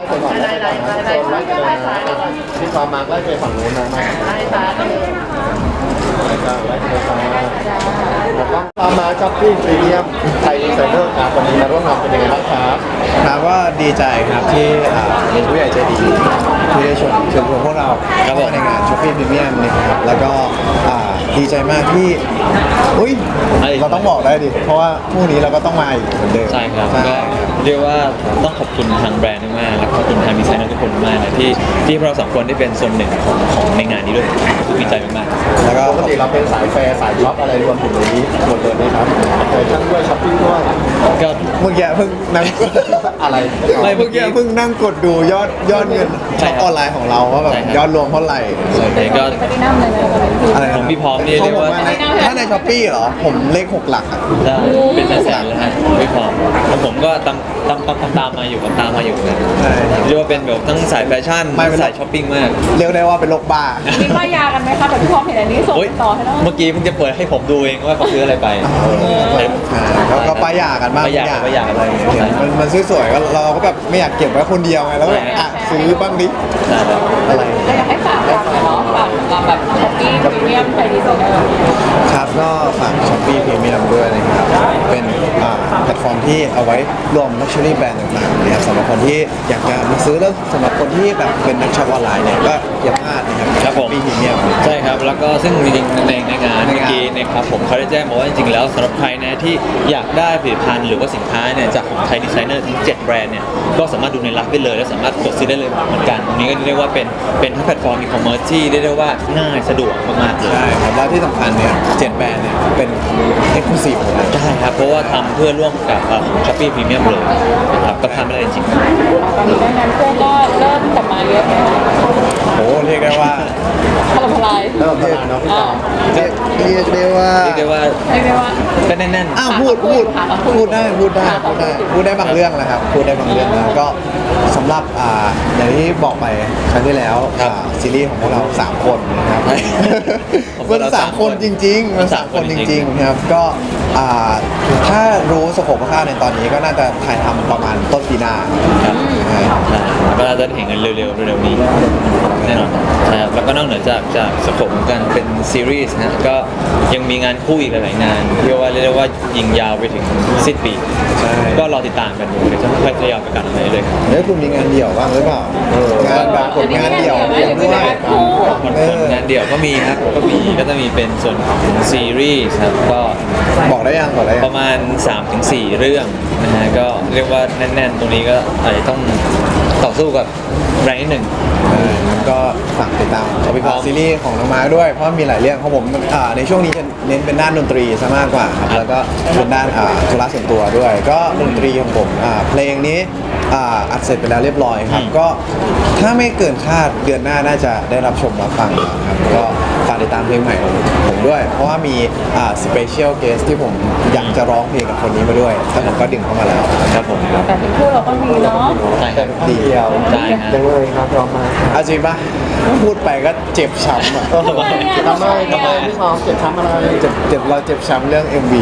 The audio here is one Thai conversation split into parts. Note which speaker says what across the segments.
Speaker 1: ไปก่อนไล่ไปก่อนนะไล่ไปเลยนะที่ความมาร์กไล่ไปฝั่งนู้นนะมาไล่ซ้ายไปเลยไล่ไปซ้ายแล้วก็ความมาช้อปปิ้งพรีเมียมไทยดีไซเนอร์ครับวันนี้มาร่วมงานเป็นยังไงบ้างครับ
Speaker 2: ครับก็ดีใจครับที่มีผู้ใหญ่ใจดีที่ได้เชิญพวกเราเข้ามาในงานช้อปปิ้งพรีเมียมนะครับแล้วก็ดีใจมากที่เราต้องบอกได้ดิเพราะว่าพรุ่งนี้เราก็ต้องมาอีกเหมือนเดิม
Speaker 3: ใช่ครับก็เรียกว่าต้องขอบคุณทางแบรนด์มากและขอบคุณทางดีไซเนอร์ทุกคนมากนะที่เราสองคนได้เป็นส่วนหนึ่งของในงานนี้ด้วยดีใจมาก
Speaker 2: ๆแล้วก็
Speaker 1: ปกติเราเป็นสายแฟร์สายช็อปอะไรรวมถึงในนี้หมดเลยนะครับแฟชั่นด้วยช้อปปิ้งด้วย
Speaker 3: ก็
Speaker 2: เมื่อกี้เพิ่งนั่ง
Speaker 1: อะไร
Speaker 2: เมื่อกี้เพิ่งนั่งกดดูยอดเงินช็อปออนไลน์ของเราว่าแบบยอดรวมเท่าไหร่
Speaker 3: ก็
Speaker 2: อะไร
Speaker 3: ของพี่พร้อมนี่เรียกว่า
Speaker 2: ถ้าในช้อปปี้เหรอผมเลข6 หลัก
Speaker 3: ได้เป็นแสนเลยฮะพี่พร้อมแล้วผมก็ตามมาอยู่นะเรียกว่าเป็นแบบทั้งสายแฟชั่นสายช้อปปิ้งมาก
Speaker 2: เรียกได้ว่าเป็นโรคบ้า
Speaker 4: มีป้ายยากันไหมคะแต่พี่พร้อมเห็นอันนี้ส่งต่อให้แล้ว
Speaker 3: เมื่อกี้เพิ่งจะเปิดให้ผมดูเองว่าเขาซื้ออะไรไป
Speaker 2: แล้วก็ป้ายยากันบ้าง
Speaker 3: ป้ายยาอะไร
Speaker 2: มันสวยๆก็เราก็แบบไม่อยากเก็บไว้คนเดียวไงแล้วก็ซื้อบ้างดิ
Speaker 4: อะไรก็อยากให้ฝากเนาะฝากแบบช้อปปี้พรีเมียมไทยดีไซเนอร์
Speaker 2: ครับก็ฝากช้อปปี้พรีเมียมด้วยนะครับเป็นแพลตฟอร์มที่เอาไว้รวมลักชัวรี่แบรนด์ต่างๆนะครับสำหรับคนที่อยากจะมาซื้อแล้วสำหรับคนที่แบบเป็นนักช็อปออนไลน์เนี่ยก็อย่าพลาดนะครับ
Speaker 3: ครับผม
Speaker 2: พรีเมียม
Speaker 3: ใช่ครับแล้วก็ซึ่งจริงๆในงานเมื่อกี้นะครับผมเขาได้แจ้งมาว่าจริงๆแล้วสำหรับใครนะที่อยากได้ผลิตภัณฑ์หรือว่าสินค้าเนี่ยจากของไทยดีไซเนอร์ทั้ง7แบรนด์เนี่ยก็สามารถดูในไลฟ์ได้เลยและสามารถกดซื้อได้เลยเหมือนกันตรงนี้ก็เรียกว่าเป็นทั้งแพลตฟอร์มอีคอมเมิร์ซที่เรียกได้ว่าง่ายสะดวกมากๆเลย
Speaker 2: ใช่ครับแล้วที่สำคัญเนี่ย7แบรนด์เนี่ยเป็นเอ็กซ์คลูซีฟ
Speaker 3: ใช่ครับเพราะว่าทำเพื่อร่วมกับของ Shopee Premium เลยนะครับก็ทำไม่ได้จริง
Speaker 4: ตอนนี้ดังนั้นพวกก็เริ่มกลับมาเยอะไหมคะ
Speaker 2: โอ้เรียกได้ว่า
Speaker 4: ถล่มทลาย
Speaker 1: เริ่มทลายเนาะ
Speaker 2: เรียกได้ว่า
Speaker 3: เป็นแน่น
Speaker 2: ๆพูดได้บางเรื่องนะครับพูดได้บางเรื่องนะก็สำหรับอย่างที่บอกไปครั้งที่แล้วซีรีส์ของพวกเรา3คนนะครับมัน3คนจริงๆมัน3คนจริงๆครับก็ถ้ารู้สโคปคร่าวๆในตอนนี้ก็น่าจะถ่ายทำประมาณต้นปีหน้า
Speaker 3: ครับก็น่าจะเห็นกันเร็วๆนี้แน่นอนใช่ครับแล้วก็นอกเหนือจากสโคปของการเป็นซีรีส์นะก็ยังมีงานคู่อีกหลายๆงานที่เรียกว่ายิงยาวไปถึงสิ้นปีก็รอติดตามกันดูเดี๋ยวจะค่อยทยอยประกาศอะไรเลย
Speaker 2: แล้วคุณมีงานเดี่ยวบ้างหรือเปล่างานแบบผลงานเดี่ยวด้วย
Speaker 3: งานเดี่ยวก็มีครับก็จะมีเป็นส่วนของซีรีส์ครับก็
Speaker 2: บอกได้ยัง
Speaker 3: ประมาณ 3-4 เรื่องนะฮะก็เรียกว่าแน่นๆตรงนี้ก็อาจจะต้องต่อสู้กับแรงนิดหนึ่ง
Speaker 2: ก็ฝากติดตามซีรีส์ของน้องมาร์คด้วยเพราะมีหลายเรื่องของผมในช่วงนี้จะเน้นเป็นด้านดนตรีซะมากกว่าครับแล้วก็เป็นด้านธุระส่วนตัวด้วยก็ดนตรีของผมเพลงนี้อัดเสร็จไปแล้วเรียบร้อยครับก็ถ้าไม่เกินคาดเดือนหน้าน่าจะได้รับชมรับฟังครับก็ฝากติดตามเพลงใหม่ของผมด้วยเพราะว่ามีสเปเชียลเกสที่ผมอยากจะร้องเพลงกับคนนี้มาด้วยแล้วผมก็ดึงเข้ามาแล้ว
Speaker 3: ครับผม
Speaker 4: แต่เป็นคู่เราก็มีเนาะ
Speaker 3: ใช่ครับ
Speaker 1: เดียว
Speaker 3: ใช่ครับ
Speaker 1: ยังเลยครับร้องมา
Speaker 2: จริงปะพูดไปก็เจ็บช้ำอ่ะ
Speaker 1: ทำไมพี่พร้อมเจ็บช้ำอะไร
Speaker 2: เราเจ็บช้ำเรื่อง MV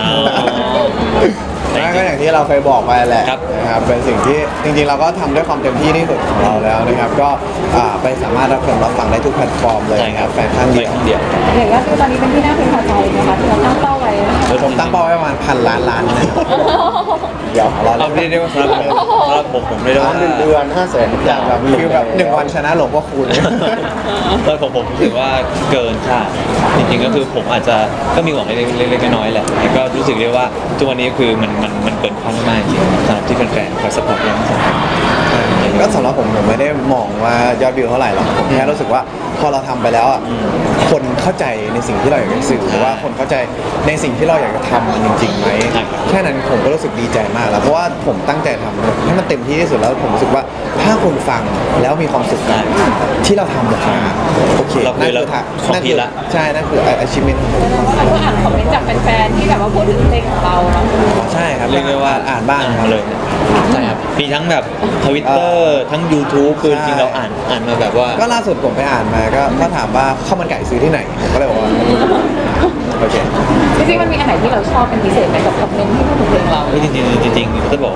Speaker 2: ก็อย่างที่เราเคยบอกไปแหละนะครับเป็นสิ่งที่จริงๆเราก็ทำด้วยความเต็มที่ที่สุดของเราแล้วนะครับก็ไปสามารถรับชมรับฟังได้ทุกแพลตฟอร์มเลยครับแฟนข้างเดียว
Speaker 4: อย่างก็คือตอนนี้เป็นที่น่าพึงพอใจนะคะที่เราตั้งเป้าไว้
Speaker 2: ผมตั้งเป้าไว้ประมาณ1,000,000,000นะเดี๋ยว
Speaker 3: เราเรียกได้ว่าสำหรับผมเรียกได้ว่า
Speaker 1: 1 เดือน500,000
Speaker 2: อย่างแบบคือแบบ1 วันชนะหลวงพ่อคูณ
Speaker 3: แล้วผมรู้สึกว่าเกินคาดจริงๆก็คือผมอาจจะก็มีหวังเล็กๆน้อยๆแหละก็รู้สึกได้ว่าทุกวันนี้คือมันเกินคาดมากจริงสำหรับที่แฟนๆคอยซัพพอร์ตเรา
Speaker 2: ก็สำหรับผมไม่ได้มองว่ายอดวิวเท่าไหร่หรอกผมแค่รู้สึกว่าพอเราทำไปแล้วอ่ะคนเข้าใจในสิ่งที่เราอยากจะสื่อหรือว่าคนเข้าใจในสิ่งที่เราอยากจะทำมันจริงๆไหมแค่นั้นผมก็รู้สึกดีใจมากแล้วเพราะว่าผมตั้งใจทำให้มันเต็มที่ที่สุดแล้วผมรู้สึกว่าถ้าคนฟังแล้วมีความสุขกันที่เราทำออกมาโอเค
Speaker 3: นั่นคือ
Speaker 2: ใช่นั่นคือ achievement ของผม
Speaker 4: ก็อ่านคอมเมนต์จากแฟนๆที่แบบว่าพูดถึงเพลงของเราเนาะ
Speaker 2: ใช่ครับ
Speaker 3: เรียกได้ว่า
Speaker 2: อ่านบ้าง
Speaker 3: เลยใช่ครับมีทั้งแบบ Twitter ทั้ง YouTube คือจริงเราอ่านมาแบบว่า
Speaker 2: ก็ล่าสุดผมไปอ่านมาก็ถามว่าข้าวมันไก่ซื้อที่ไหนผมก็เลยบอกว่าโอเค
Speaker 4: จริงๆมันมีอันไหนที่เราชอบเป็นพิเศษไหมกับคอมเมนต์ที่พูดถึงเพลงเรา
Speaker 3: จริงๆจะบอก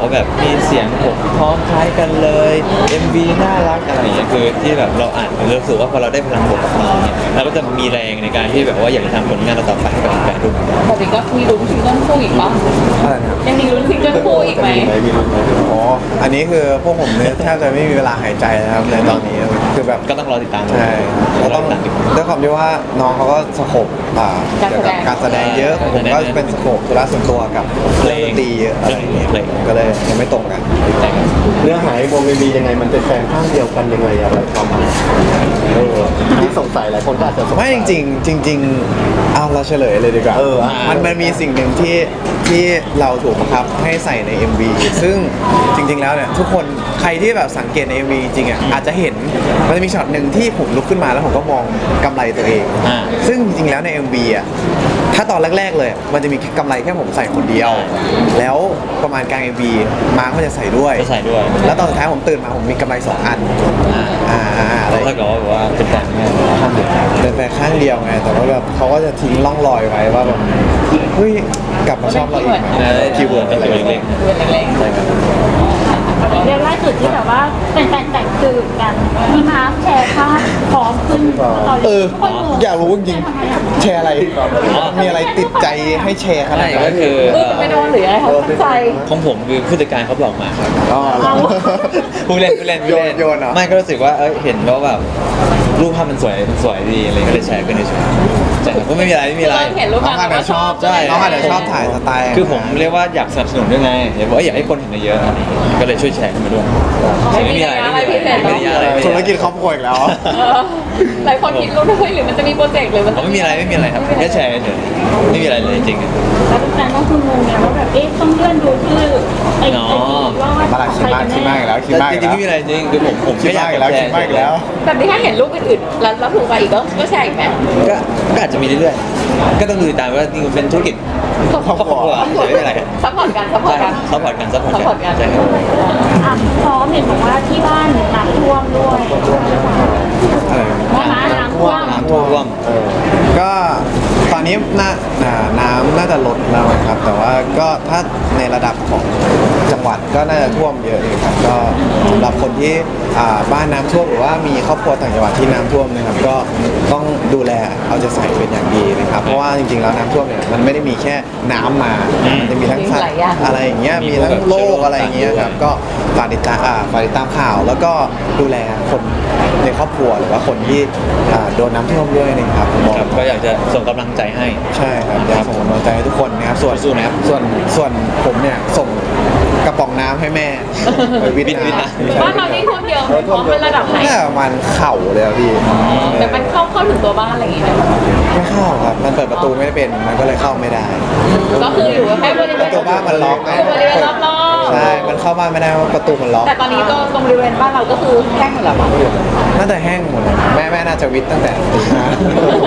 Speaker 3: ว่าแบบมีเสียงผมพร้อมคล้ายกันเลย MV น่ารักอะไรอย่างเงี้ยคือที่แบบเราอ่านเรารู้สึกว่าพอเราได้พลังบวกกับมันเนี่ยเราก็จะมีแรงในการที่แบบว่าอยากจะทำผลงานเราต่อไปให้กับแฟนๆด้วย
Speaker 4: แบบนี้ก็มีลุ้นซิงเกิลคู่อีกปะ
Speaker 2: อะไรนะครับ
Speaker 4: ยังมีลุ้นซิงเกิลคู่อีกไหม
Speaker 1: มีรุ่นไหม
Speaker 2: อ๋ออันนี้คือพวกผมเนี่ยแทบจะไม่มีเวลาหายใจนะครับในตอนนี้คือแบบ
Speaker 3: ก็ต้องรอติดตาม
Speaker 2: ใช่ก็ต้องด้วยความที่ว่าน้องเขาก็สโคปเกี่ยวกับการแสดงเยอะผมก็เป็นสโคปธุระส่วนตัวกับเล่นดนตรีเยอะอะไรอย่างเงี้ยก็เลยยังไม่ตรงกัน
Speaker 1: เนื้อหาไอ้วงมียังไงมันเป็นแฟนข้างเดียวกันยังไงอะไรความหมายที่สงสัยหลายคนก็อาจจะสงสัย
Speaker 2: ไม่จริงๆเอาเราเฉลยเลยดีกว่า มันมีสิ่งหนึ่งที่เราถูกบังคับให้ใส่ใน MV ซึ่งจริงๆแล้วเนี่ยทุกคนใครที่แบบสังเกตใน MV จริงๆอ่ะอาจจะเห็นมันจะมีช็อตหนึ่งที่ผมลุกขึ้นมาแล้วผมก็มองกำไรตัวเอง ซึ่งจริงๆแล้วใน MV อ่ะถ้าตอนแรกๆเลยมันจะมีกำไรแค่ผมใส่คนเดียว แล้วประมาณกลาง MV มาร์คก็จะใส่ด้วย
Speaker 3: จะใส่ด้วย
Speaker 2: แล้วตอนสุดท้ายผมตื่นมาผมมีกำไร2 อันอะไร
Speaker 3: ถ้าเกิดว่าแบบว่าเป็นแฟนแม่ข้างเดียว
Speaker 2: เป็นแฟนข้างเดียวไง แต่ว่าแบบเขาก็จะทิ้งร่องรอยไว้ว่าแบบเฮ้ยกลับมาชอบเราอีกไหม
Speaker 3: คีย์เวิร์ดเป็นตัวเล็ก
Speaker 4: เรื่องเล็ก
Speaker 3: ๆใช่ครับ
Speaker 5: เรื่องล่าสุดที่แบบว่าเป็นแฟนแต่งสืบกันมีมาร์คแชร์ภาพพร้อมขึ้นตอนนี้ทุกคนงง
Speaker 2: อยากรู้จริงๆแชร์อะไร มีอะไรติดใจให้แชร์ขนาด
Speaker 3: ใช่
Speaker 2: นั้
Speaker 3: ก็
Speaker 2: น
Speaker 3: คือ
Speaker 4: ไม่โดนหรืออะไรเขาตั้งใจ
Speaker 3: ของผมคือผู้จัดการเขาบอกมาครับ
Speaker 2: อ๋อ
Speaker 3: ผู้เล่นผู้เล่นผู้เล่น
Speaker 2: โยนเหรอ
Speaker 3: ไม่ก็รู้สึกว่าเห็นว่าแบบรูปภาพมันสวยดีอะไรก็เลยแชร์กันเฉยๆแต่ก็ไม่มีอะไรไม่มีอะไร
Speaker 4: เห็นรูป
Speaker 2: น้องอาจจะชอบ
Speaker 3: ใช่
Speaker 2: น้องอาจจะชอบถ่ายสไตล์
Speaker 3: คือผมเรียกว่าอยากสนับสนุนด้วยไงอยากให้คนเห็นเยอะๆอะไรอย่างเงี้ยก็เลยช่วยแชร์กันมาด้วยไม่มีอะไรไม่มีอะไร
Speaker 2: ธุรกิจครอบครัวอีกแล้ว
Speaker 4: หลายคนคิดรู้ด้วยหรือมันจะมีโปรเจกต์หรือมัน
Speaker 3: ไม่มีอะไรไม่มีอะไรครับแค่แชร์เฉยไม่มีอะไรเลยจริง
Speaker 5: แล้วแฟนก็คืองงไงว่าแบบเอ๊ะต้องเลื่อนดูชื่อไอ้
Speaker 3: อ๋อ
Speaker 5: ว่า
Speaker 2: มาละคิดมากอีกแล้วคิดมาก
Speaker 3: จ
Speaker 2: อีก
Speaker 3: ริงๆ
Speaker 2: แล้ว
Speaker 3: ไม่มีอะไรจริงคือผม
Speaker 2: คิดมากอีกแล้วคิดมากอีกแล้ว
Speaker 4: แบบนี้ถ้าเห็นรูปอื่นๆแล้วถูกไปอีกก็แชร์อีกไหม
Speaker 3: ก็อาจจะมีเรื่อยๆก็ต้องดูติดตามว่านี่เป็นธุรกิจครอบครัวไม่เป็นไร
Speaker 4: ซัพพอร์ตกันซัพพอร์ตกัน
Speaker 3: ซัพพอร์ตกัน
Speaker 4: ซัพพอร์ตกัน
Speaker 3: ใช่ครับ
Speaker 5: อ่ะพร้อมเห็นบอกว่าที่บ้านน้ำท่วมด้วย
Speaker 2: อะไร
Speaker 5: น้ำท่วม
Speaker 3: น้ำท่วม
Speaker 2: ก็ตอนนี้น้ำน่าจะลดแล้วนะครับ แต่ว่าก็ถ้าในระดับของจังหวัดก็น่าจะท่วมเยอะเลยครับก็สำหรับคนที่บ้านน้ำท่วมหรือว่ามีครอบครัวต่างจังหวัดที่น้ำท่วมนะครับก็ต้องดูแลเอาใจใส่เป็นอย่างดีนะครับเพราะว่าจริงๆแล้วน้ำท่วมเนี่ยมันไม่ได้มีแค่น้ำมามันจะมีทั้งสัตว์อะไรอย่างเงี้ยมีทั้งโรคอะไรอย่างเงี้ยครับก็ฝากติดตามข่าวแล้วก็ดูแลคนในครอบครัวหรือว่าคนที่โดนน้ำท่วมด้วยนะครับผมบอก
Speaker 3: ครับก็อยากจะส่งกำลังใจให้
Speaker 2: ใช่ครับอยากส่งกำลังใจให้ทุกคนนะครับส่วน
Speaker 3: สู้ๆนะครับ
Speaker 2: ส่วนผมเนี่ยส่งกระป๋องน้ำให้แม่ไปวิท
Speaker 3: วิทย์
Speaker 2: น้ำ
Speaker 3: นะ
Speaker 4: บ้านเรานี่ท่วมเยอะเพราะเป็นระดับไหน
Speaker 2: น่าประมาณเข่าเลยอะพี่
Speaker 4: แต่มันเข้าถึงตัวบ้านอะไรอย่างเงี้ย
Speaker 2: ไม่เข้าครับมันเปิดประตูไม่ได้เป็นมันก็เลยเข้าไม่ได้
Speaker 4: ก็คืออยู่แค่บริเวณ
Speaker 2: ประตูบ้านมันล็อกไง
Speaker 4: บริเวณรอบ
Speaker 2: ใช่มันเข้าบ้านไม่ได้เพราะประตูมันล็อก
Speaker 4: ๆแต่ตอนนี้ก็ตรงบริเวณบ้านเราก็คือแห้งหมดแล้วป่ะ
Speaker 2: น่าจะแห้งหมดเลยแม่น่าจะวิทย์ตั้งแต่ตีห้า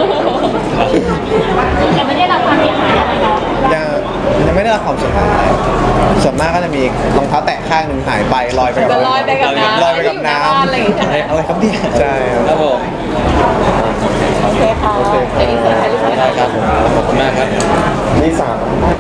Speaker 5: แต่ไม่ได้รับความเสียหายอะไรเนาะ
Speaker 2: ยังไม่ได้รับความเสียหายอะไรส่วนมากก็จะมีรองเท้าแตะข้างหนึ่งหายไปลอยไปกับ
Speaker 4: ก็ลอยไปกับน้ำ
Speaker 2: ลอยไปกับน้
Speaker 4: อะไรอย่างเงี้ย
Speaker 2: ำอะไรครับเนี่ยใช่ครับ
Speaker 3: ครับผม
Speaker 4: โอเคค่ะเดี๋ยวอีกสักถ่ายรูป
Speaker 3: ได้ครับผมขอบคุณมากครับ
Speaker 1: นี่สาม